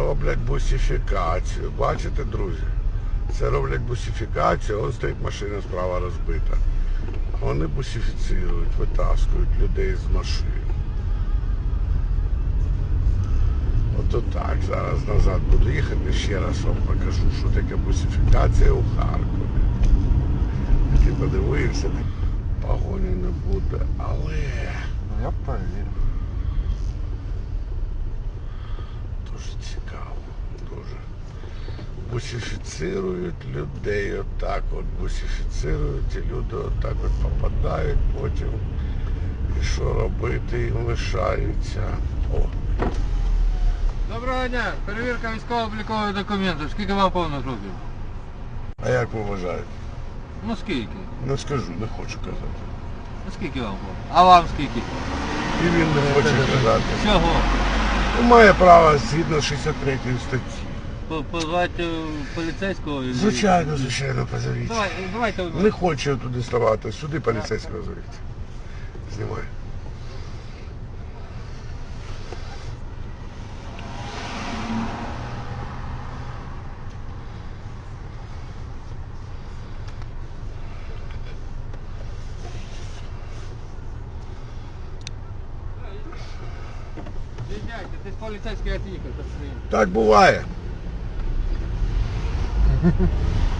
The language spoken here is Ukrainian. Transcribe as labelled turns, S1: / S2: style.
S1: роблять бусифікацію. Бачите, друзі? Це роблять бусифікацію, ось стоїть машина справа розбита. А вони бусифіцирують, витаскують людей з машин. Ото так, зараз назад буду їхати, ще раз вам покажу, що таке бусифікація у Харкові. Ти подивився, погоні не буде, але...
S2: Я перевірю.
S1: Дуже цікаво, дуже. Бусифіцирують людей отак от, бусифіцирують, і люди отак от попадають потім. І що робити їм лишається. О.
S2: Доброго дня, перевірка військово-облікових документів. Скільки вам повних років?
S1: А як ви вважаєте?
S2: Ну скільки?
S1: Не скажу, не хочу казати.
S2: Ну скільки вам повних? А вам скільки?
S1: І він не хоче казати.
S2: Чого?
S1: Має право згідно 63 статті.
S2: Позвати поліцейського?
S1: Звичайно, звичайно, позовіть.
S2: Давайте.
S1: Не хочу туди ставати, сюди поліцейського зовіть. Знімай.
S2: Ти з поліцейського від'їхав.
S1: Так буває.